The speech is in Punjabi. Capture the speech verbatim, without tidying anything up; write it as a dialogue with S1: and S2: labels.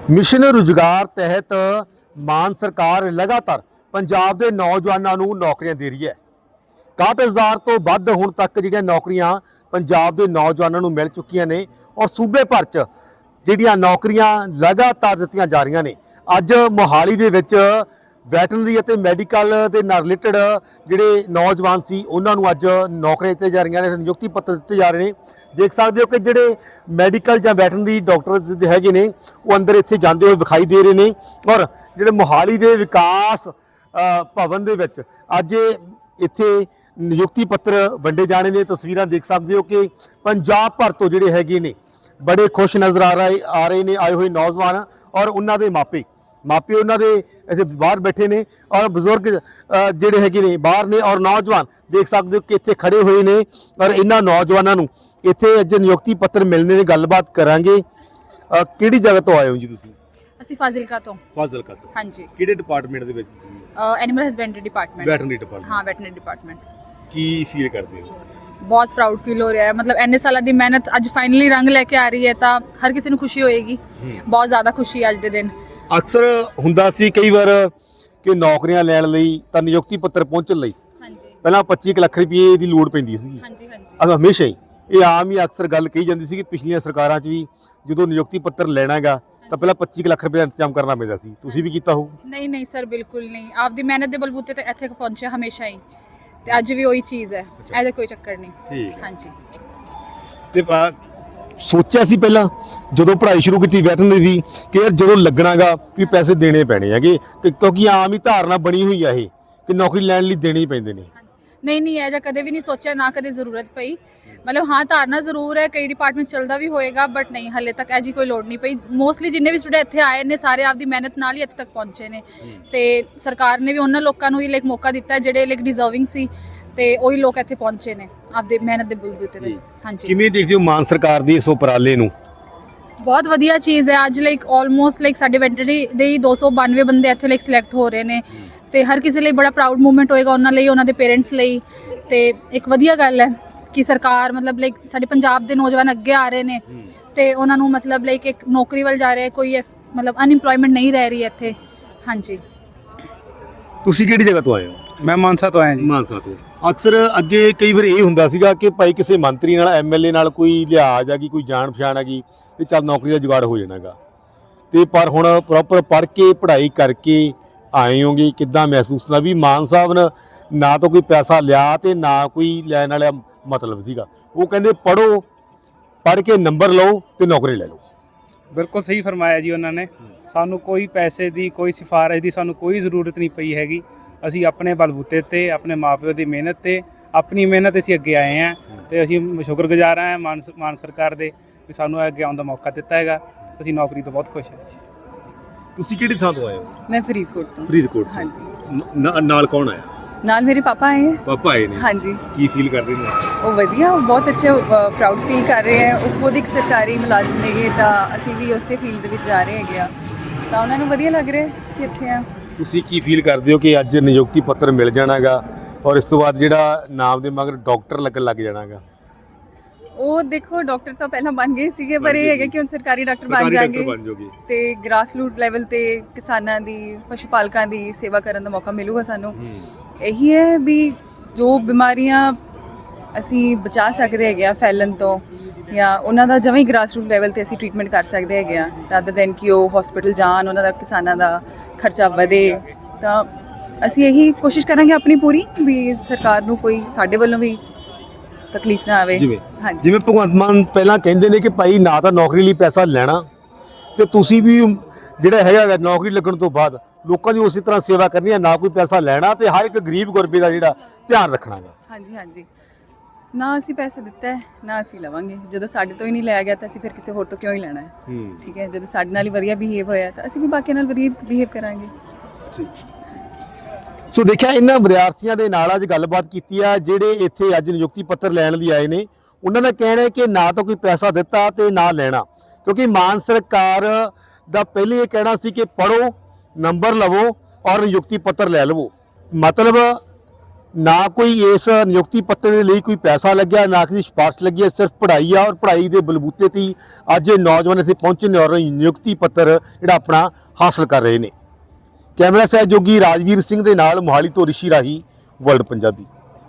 S1: मिशन रुजगार तहत मान सरकार लगातार पंजाब के नौजवानों को नौकरियां दे रही है। इकसठ हज़ार तो वध हुण तक जिहड़ियां नौकरियां पंजाब के नौजवानों को मिल चुकियां ने और सूबे भर च जिहड़ियां नौकरियां लगातार दित्तियां जा रही ने। अज मोहाली दे विच वैटनरी और मैडिकल के नाल रिलेटेड जिहड़े नौजवान सी उन्हां नूं अज नौकरियां दित्तियां जा रही ने, नियुक्ति पत्र दिते जा रहे हैं। देख सकते हो कि जोड़े मैडिकल या वैटनरी डॉक्टर है ने वो अंदर इत्थे जाते हुए विखाई दे रहे हैं। और जोड़े मोहाली के विकास भवन दे विच अज इत्थे नियुक्ति पत्र वंडे जाने ने। तस्वीर देख सकते हो कि पंजाब भर तो जोड़े है ने बड़े खुश नज़र आ रहे आ रहे हैं आए हुए नौजवान और उन्होंने मापे मापे उन्होंने ऐसे बाहर बैठे ने और बजुर्ग जोड़े है ने बाहर ने और नौजवान देख सकते हो कि इत्थे खड़े हुए ने। और इन्होंने नौजवानों इत्थे अज नियुक्ति पत्र मिलने की गलबात करांगे। किहड़ी जगह तो आए हो जी तुसीं?
S2: ਅਸੀਂ ਫਾਜ਼ਿਲਕਾ ਤੋਂ।
S1: ਫਾਜ਼ਿਲਕਾ ਤੋਂ
S2: ਹਾਂਜੀ।
S1: ਕਿਹੜੇ ਡਿਪਾਰਟਮੈਂਟ ਦੇ ਵਿੱਚ ਤੁਸੀਂ?
S2: Animal husbandry department.
S1: Veterinary department.
S2: ਹਾਂ ਵੈਟਰਨਰੀ ਡਿਪਾਰਟਮੈਂਟ।
S1: ਕੀ ਫੀਲ ਕਰਦੇ ਹੋ?
S2: ਬਹੁਤ ਪ੍ਰਾਊਡ ਫੀਲ ਹੋ ਰਿਹਾ ਹੈ। ਮਤਲਬ ਇੰਨੇ ਸਾਲਾਂ ਦੀ ਮਿਹਨਤ ਅੱਜ ਫਾਈਨਲੀ ਰੰਗ ਲੈ ਕੇ ਆ ਰਹੀ ਹੈ ਤਾਂ ਹਰ ਕਿਸੇ ਨੂੰ ਖੁਸ਼ੀ ਹੋਏਗੀ। ਬਹੁਤ ਜ਼ਿਆਦਾ ਖੁਸ਼ੀ ਹੈ ਅੱਜ ਦੇ ਦਿਨ।
S1: ਅਕਸਰ ਹੁੰਦਾ ਸੀ ਕਈ ਵਾਰ ਕਿ ਨੌਕਰੀਆਂ ਲੈਣ ਲਈ ਤਾਂ ਨਿਯੁਕਤੀ ਪੱਤਰ ਪਹੁੰਚਣ ਲਈ
S2: ਹਾਂਜੀ
S1: ਪਹਿਲਾਂ ਪੱਚੀ ਕੁ ਲੱਖ ਰੁਪਏ ਦੀ ਲੋੜ ਪੈਂਦੀ ਸੀ।
S2: ਹਾਂਜੀ ਹਾਂਜੀ।
S1: ਅਹ ਹਮੇਸ਼ਾ ਹੀ ਇਹ ਆਮ ਹੀ ਅਕਸਰ ਗੱਲ ਕਹੀ ਜਾਂਦੀ ਸੀ ਕਿ ਪਿਛਲੀਆਂ ਸਰਕਾਰਾਂ 'ਚ ਵੀ ਜਦੋਂ ਨਿਯੁਕਤੀ ਪੱਤਰ ਲੈਣਾ ਹੈਗਾ ਤਾਂ ਪਹਿਲਾਂ ਪੱਚੀ ਕੁ ਲੱਖ ਰੁਪਏ ਦਾ ਇੰਤਜ਼ਾਮ ਕਰਨਾ ਪੈਂਦਾ ਸੀ। ਤੁਸੀਂ ਵੀ ਕੀਤਾ ਹੋਊ?
S2: ਨਹੀਂ ਨਹੀਂ ਸਰ ਬਿਲਕੁਲ ਨਹੀਂ। ਆਪਦੀ ਮਿਹਨਤ ਦੇ ਬਲਬੂਤੇ ਤੇ ਇੱਥੇ ਪਹੁੰਚਿਆ ਹਮੇਸ਼ਾ ਹੀ ਤੇ ਅੱਜ ਵੀ ਉਹੀ ਚੀਜ਼ ਹੈ। ਇਹਦਾ ਕੋਈ ਚੱਕਰ ਨਹੀਂ।
S1: ਠੀਕ
S2: ਹਾਂਜੀ।
S1: ਤੇ ਆ ਸੋਚਿਆ ਸੀ ਪਹਿਲਾਂ ਜਦੋਂ ਪੜ੍ਹਾਈ ਸ਼ੁਰੂ ਕੀਤੀ ਵੈਟਰਨਰੀ ਦੀ ਕਿ ਯਾਰ ਜਦੋਂ ਲੱਗਣਾਗਾ ਵੀ ਪੈਸੇ ਦੇਣੇ ਪੈਣੇ ਹੈਗੇ ਕਿ- ਕਿਉਂਕਿ ਆਮ ਹੀ ਧਾਰਨਾ ਬਣੀ ਹੋਈ ਆ ਇਹ ਕਿ ਨੌਕਰੀ ਲੈਣ ਲਈ ਦੇਣੇ ਹੀ ਪੈਂਦੇ ਨੇ।
S2: ਨਹੀਂ ਨਹੀਂ ਇਹ ਜਾਂ ਕਦੇ ਵੀ ਨਹੀਂ ਸੋਚਿਆ, ਨਾ ਕਦੇ ਜ਼ਰੂਰਤ ਪਈ। ਮਤਲਬ ਹਾਂ ਧਾਰਨਾ ਜ਼ਰੂਰ ਹੈ, ਕਈ ਡਿਪਾਰਟਮੈਂਟ ਚੱਲਦਾ ਵੀ ਹੋਏਗਾ ਬਟ ਨਹੀਂ ਹਲੇ ਤੱਕ ਐਜੀ ਕੋਈ ਲੋੜ ਨਹੀਂ ਪਈ। ਮੋਸਟਲੀ ਜਿੰਨੇ ਵੀ ਸਟੂਡੈਂਟ ਇੱਥੇ ਆਏ ਨੇ ਸਾਰੇ ਆਪਦੀ ਮਿਹਨਤ ਨਾਲ ਹੀ ਇੱਥੇ ਤੱਕ ਪਹੁੰਚੇ ਨੇ ਤੇ ਸਰਕਾਰ ਨੇ ਵੀ ਉਹਨਾਂ ਲੋਕਾਂ ਨੂੰ ਹੀ ਲਾਈਕ ਮੌਕਾ ਦਿੱਤਾ ਜਿਹੜੇ ਲਾਈਕ ਡਿਜ਼ਰਵਿੰਗ ਸੀ ਤੇ ਉਹੀ ਲੋਕ ਇੱਥੇ ਪਹੁੰਚੇ ਨੇ ਆਪਦੇ ਮਿਹਨਤ ਦੇ ਬਲਬੂਤੇ ਤੇ। ਹਾਂਜੀ।
S1: ਕਿਵੇਂ ਦੇਖਦੇ ਹੋ ਮਾਨ ਸਰਕਾਰ ਦੀ ਇਸ ਉਪਰਾਲੇ ਨੂੰ?
S2: ਬਹੁਤ ਵਧੀਆ ਚੀਜ਼ ਹੈ। ਅੱਜ ਲਾਈਕ ਆਲਮੋਸਟ ਲਾਈਕ ਸਾਡੇ ਵੈਟਰਨਰੀ ਦੇ ਹੀ ਦੋ ਸੌ ਬਾਨਵੇਂ ਬੰਦੇ ਇੱਥੇ ਲਾਈਕ ਸਿਲੈਕਟ ਹੋ ਰਹੇ ਨੇ ਤੇ ਹਰ ਕਿਸੇ ਲਈ ਬੜਾ ਪ੍ਰਾਊਡ ਮੂਵਮੈਂਟ ਹੋਏਗਾ, ਉਹਨਾਂ ਲਈ, ਉਹਨਾਂ ਦੇ ਪੇਰੈਂਟਸ ਲਈ। ਤੇ ਇੱਕ ਵਧੀਆ ਗੱਲ ਹੈ ਕਿ ਸਰਕਾਰ ਮਤਲਬ ਲਾਈਕ ਸਾਡੇ ਪੰਜਾਬ ਦੇ ਨੌਜਵਾਨ ਅੱਗੇ ਆ ਰਹੇ ਨੇ ਤੇ ਉਹਨਾਂ ਨੂੰ ਮਤਲਬ ਲਾਈਕ ਇੱਕ ਨੌਕਰੀ ਵੱਲ ਜਾ ਰਿਹਾ, ਕੋਈ ਮਤਲਬ ਅਨਇੰਪਲੋਇਮੈਂਟ ਨਹੀਂ ਰਹਿ ਰਹੀ ਇੱਥੇ। ਹਾਂਜੀ।
S1: ਤੁਸੀਂ ਕਿਹੜੀ ਜਗ੍ਹਾ ਤੋਂ ਆਏ ਹੋ?
S3: ਮੈਂ ਮਾਨਸਾ ਤੋਂ ਆਇਆ ਜੀ।
S1: ਮਾਨਸਾ ਤੋਂ। ਅਕਸਰ ਅੱਗੇ ਕਈ ਵਾਰ ਇਹ ਹੁੰਦਾ ਸੀਗਾ ਕਿ ਭਾਈ ਕਿਸੇ ਮੰਤਰੀ ਨਾਲ ਐਮਐਲਏ ਨਾਲ ਕੋਈ ਲਿਹਾਜ਼ ਆ ਗਈ, ਕੋਈ ਜਾਣ ਪਛਾਣ ਆ ਗਈ ਤੇ ਚੱਲ ਨੌਕਰੀ ਦਾ ਜੁਗਾੜ ਹੋ ਜਾਣਾਗਾ। ਤੇ ਪਰ ਹੁਣ ਪ੍ਰੋਪਰ ਪੜ੍ਹ ਕੇ ਪੜ੍ਹਾਈ ਕਰਕੇ ਆਏ ਹੋਗੇ, ਕਿੱਦਾਂ ਮਹਿਸੂਸ ਹੁੰਦਾ ਵੀ ਮਾਨ ਸਾਹਿਬ ਨੇ ਨਾ ਤਾਂ ਕੋਈ ਪੈਸਾ ਲਿਆ ਤੇ ਨਾ ਕੋਈ ਲੈਣ ਵਾਲਾ ਮਤਲਬ ਸੀਗਾ। ਉਹ ਕਹਿੰਦੇ ਪੜ੍ਹੋ, ਪੜ੍ਹ ਕੇ ਨੰਬਰ ਲਓ ਤੇ ਨੌਕਰੀ ਲੈ ਲਓ।
S3: ਬਿਲਕੁਲ ਸਹੀ ਫਰਮਾਇਆ ਜੀ ਉਹਨਾਂ ਨੇ। ਸਾਨੂੰ ਕੋਈ ਪੈਸੇ ਦੀ, ਕੋਈ ਸਿਫਾਰਿਸ਼ ਦੀ ਸਾਨੂੰ ਕੋਈ ਜ਼ਰੂਰਤ ਨਹੀਂ ਪਈ ਹੈਗੀ। ਅਸੀਂ ਆਪਣੇ ਬਲਬੂਤੇ ਤੇ, ਆਪਣੇ ਮਾਪਿਓ ਦੀ ਮਿਹਨਤ ਤੇ, ਆਪਣੀ ਮਿਹਨਤ ਅਸੀਂ ਅੱਗੇ ਆਏ ਹਾਂ ਤੇ ਅਸੀਂ ਸ਼ੁਕਰਗੁਜ਼ਾਰ ਹਾਂ ਮਾਨ ਮਾਨ ਸਰਕਾਰ ਦੇ ਵੀ ਸਾਨੂੰ ਅੱਗੇ ਆਉਣ ਦਾ ਮੌਕਾ ਦਿੱਤਾ ਹੈਗਾ। ਅਸੀਂ ਨੌਕਰੀ ਤੋਂ ਬਹੁਤ ਖੁਸ਼ ਹਾਂ।
S1: ਤੁਸੀਂ ਕਿਹੜੀ ਥਾਂ ਤੋਂ ਆਏ ਹੋ?
S4: मैं फरीदकोट तो।
S1: ਫਰੀਦਕੋਟ
S4: हाँ
S1: ਤੋਂ।
S4: जी।
S1: ਨਾ- ਨਾਲ ਕੌਣ ਆਇਆ?
S4: नाल मेरे पापा आए हैं।
S1: ਪਾਪਾ ਆਏ ਨੇ।
S4: हाँ जी।
S1: ਕੀ ਫੀਲ ਕਰ ਰਹੇ ਨੇ?
S4: वो वधिया, वो बहुत अच्छे प्राउड फील कर रहे हैं। वो खुद एक सरकारी मुलाजिम ने ਤਾਂ ਅਸੀਂ ਵੀ ਉਸੇ ਫੀਲਡ ਦੇ ਵਿੱਚ ਜਾ ਰਹੇ ਹੈਗੇ ਆ ਤਾਂ ਉਹਨਾਂ ਨੂੰ ਵਧੀਆ ਲੱਗ ਰਿਹਾ ਕਿ ਇੱਥੇ ਆ।
S1: ਤੁਸੀਂ ਕੀ ਫੀਲ ਕਰਦੇ ਹੋ ਕਿ ਅੱਜ ਨਿਯੁਕਤੀ ਪੱਤਰ ਮਿਲ ਜਾਣਾਗਾ ਔਰ ਇਸ ਤੋਂ ਬਾਅਦ ਜਿਹੜਾ ਨਾਮ ਦੇ ਮਗਰ ਡਾਕਟਰ ਲੱਗਣ ਲੱਗ ਜਾਣਾਗਾ?
S4: ਉਹ ਦੇਖੋ ਡਾਕਟਰ ਤਾਂ ਪਹਿਲਾਂ ਬਣ ਗਏ ਸੀਗੇ ਪਰ ਇਹ ਹੈਗਾ ਕਿ ਹੁਣ ਸਰਕਾਰੀ ਡਾਕਟਰ ਬਣ ਜਾਣਗੇ
S1: ਬਣ ਜਾਓਗੇ
S4: ਤੇ ਗ੍ਰਾਸ ਰੂਟ ਲੈਵਲ ਤੇ ਕਿਸਾਨਾਂ ਦੀ, ਪਸ਼ੂ ਪਾਲਕਾਂ ਦੀ ਸੇਵਾ ਕਰਨ ਦਾ ਮੌਕਾ ਮਿਲੂਗਾ ਸਾਨੂੰ। ਇਹੀ ਹੈ ਵੀ ਜੋ ਬਿਮਾਰੀਆਂ ਅਸੀਂ ਬਚਾ ਸਕਦੇ ਹੈਗੇ ਆ ਫੈਲਣ ਤੋਂ ਜਾਂ ਉਹਨਾਂ ਦਾ ਜਮਾਂ ਹੀ ਗ੍ਰਾਸ ਰੂਟ ਲੈਵਲ ਤੇ ਅਸੀਂ ਟ੍ਰੀਟਮੈਂਟ ਕਰ ਸਕਦੇ ਹੈਗੇ ਆ ਰਾਦਰ ਦੈਨ ਕਿ ਉਹ ਹਸਪੀਟਲ ਜਾਣ, ਉਹਨਾਂ ਦਾ ਕਿਸਾਨਾਂ ਦਾ ਖਰਚਾ ਵਧੇ। ਤਾਂ ਅਸੀਂ ਇਹੀ ਕੋਸ਼ਿਸ਼ ਕਰਾਂਗੇ ਆਪਣੀ ਪੂਰੀ ਵੀ ਸਰਕਾਰ ਨੂੰ ਕੋਈ ਸਾਡੇ ਵੱਲੋਂ ਵੀ ਤਕਲੀਫ ਨਾ ਆਵੇ।
S1: ਜਿਵੇਂ
S4: ਹਾਂਜੀ।
S1: ਜਿਵੇਂ ਭਗਵੰਤ ਮਾਨ ਪਹਿਲਾਂ ਕਹਿੰਦੇ ਨੇ ਕਿ ਭਾਈ ਨਾ ਤਾਂ ਨੌਕਰੀ ਲਈ ਪੈਸਾ ਲੈਣਾ ਤੇ ਤੁਸੀਂ ਵੀ ਜਿਹੜਾ ਹੈਗਾ ਨੌਕਰੀ ਲੱਗਣ ਤੋਂ ਬਾਅਦ ਲੋਕਾਂ ਦੀ ਉਸੇ ਤਰ੍ਹਾਂ ਸੇਵਾ ਕਰਨੀ ਹੈ, ਨਾ ਕੋਈ ਪੈਸਾ ਲੈਣਾ ਤੇ ਹਰ ਇੱਕ ਗਰੀਬ ਗੁਰਬੇ ਦਾ ਜਿਹੜਾ ਧਿਆਨ ਰੱਖਣਾਗਾ।
S4: ਹਾਂਜੀ ਹਾਂਜੀ। ਨਾ ਅਸੀਂ ਪੈਸਾ ਦਿੱਤਾ ਹੈ ਨਾ ਅਸੀਂ ਲਵਾਂਗੇ। ਜਦੋਂ ਸਾਡੇ ਤੋਂ ਹੀ ਨਹੀਂ ਲਿਆ ਗਿਆ ਤਾਂ ਅਸੀਂ ਫਿਰ ਕਿਸੇ ਹੋਰ ਤੋਂ ਕਿਉਂ ਹੀ ਲੈਣਾ ਹੈ? ਠੀਕ ਹੈ। ਜਦੋਂ ਸਾਡੇ ਨਾਲ ਹੀ ਵਧੀਆ ਬਿਹੇਵ ਹੋਇਆ ਤਾਂ ਅਸੀਂ ਵੀ ਬਾਕੀਆਂ ਨਾਲ ਵਧੀਆ ਬਿਹੇਵ ਕਰਾਂਗੇ।
S1: ਸੋ ਦੇਖਿਆ ਇਹਨਾਂ ਵਿਦਿਆਰਥੀਆਂ ਦੇ ਨਾਲ ਅੱਜ ਗੱਲਬਾਤ ਕੀਤੀ ਆ ਜਿਹੜੇ ਇੱਥੇ ਅੱਜ ਨਿਯੁਕਤੀ ਪੱਤਰ ਲੈਣ ਲਈ ਆਏ ਨੇ। ਉਹਨਾਂ ਦਾ ਕਹਿਣਾ ਹੈ ਕਿ ਨਾ ਤਾਂ ਕੋਈ ਪੈਸਾ ਦਿੱਤਾ ਤੇ ਨਾ ਲੈਣਾ, ਕਿਉਂਕਿ ਮਾਨ ਸਰਕਾਰ ਦਾ ਪਹਿਲੇ ਇਹ ਕਹਿਣਾ ਸੀ ਕਿ ਪੜ੍ਹੋ, ਨੰਬਰ ਲਵੋ ਔਰ ਨਿਯੁਕਤੀ ਪੱਤਰ ਲੈ ਲਵੋ। ਮਤਲਬ ਨਾ ਕੋਈ ਇਸ ਨਿਯੁਕਤੀ ਪੱਤਰ ਦੇ ਲਈ ਕੋਈ ਪੈਸਾ ਲੱਗਿਆ, ਨਾ ਕਿਸੇ ਸਿਫਾਰਿਸ਼ ਲੱਗੀ ਹੈ, ਸਿਰਫ ਪੜ੍ਹਾਈ ਆ ਔਰ ਪੜ੍ਹਾਈ ਦੇ ਬਲਬੂਤੇ ਤੇ ਹੀ ਅੱਜ ਇਹ ਨੌਜਵਾਨ ਇੱਥੇ ਪਹੁੰਚੇ ਨੇ ਔਰ ਨਿਯੁਕਤੀ ਪੱਤਰ ਜਿਹੜਾ ਆਪਣਾ ਹਾਸਲ ਕਰ ਰਹੇ ਨੇ। ਕੈਮਰਾ ਸਹਿਯੋਗੀ ਰਾਜਵੀਰ ਸਿੰਘ ਦੇ ਨਾਲ ਮੋਹਾਲੀ ਤੋਂ ਰਿਸ਼ੀ ਰਾਹੀ, ਵਰਲਡ ਪੰਜਾਬੀ।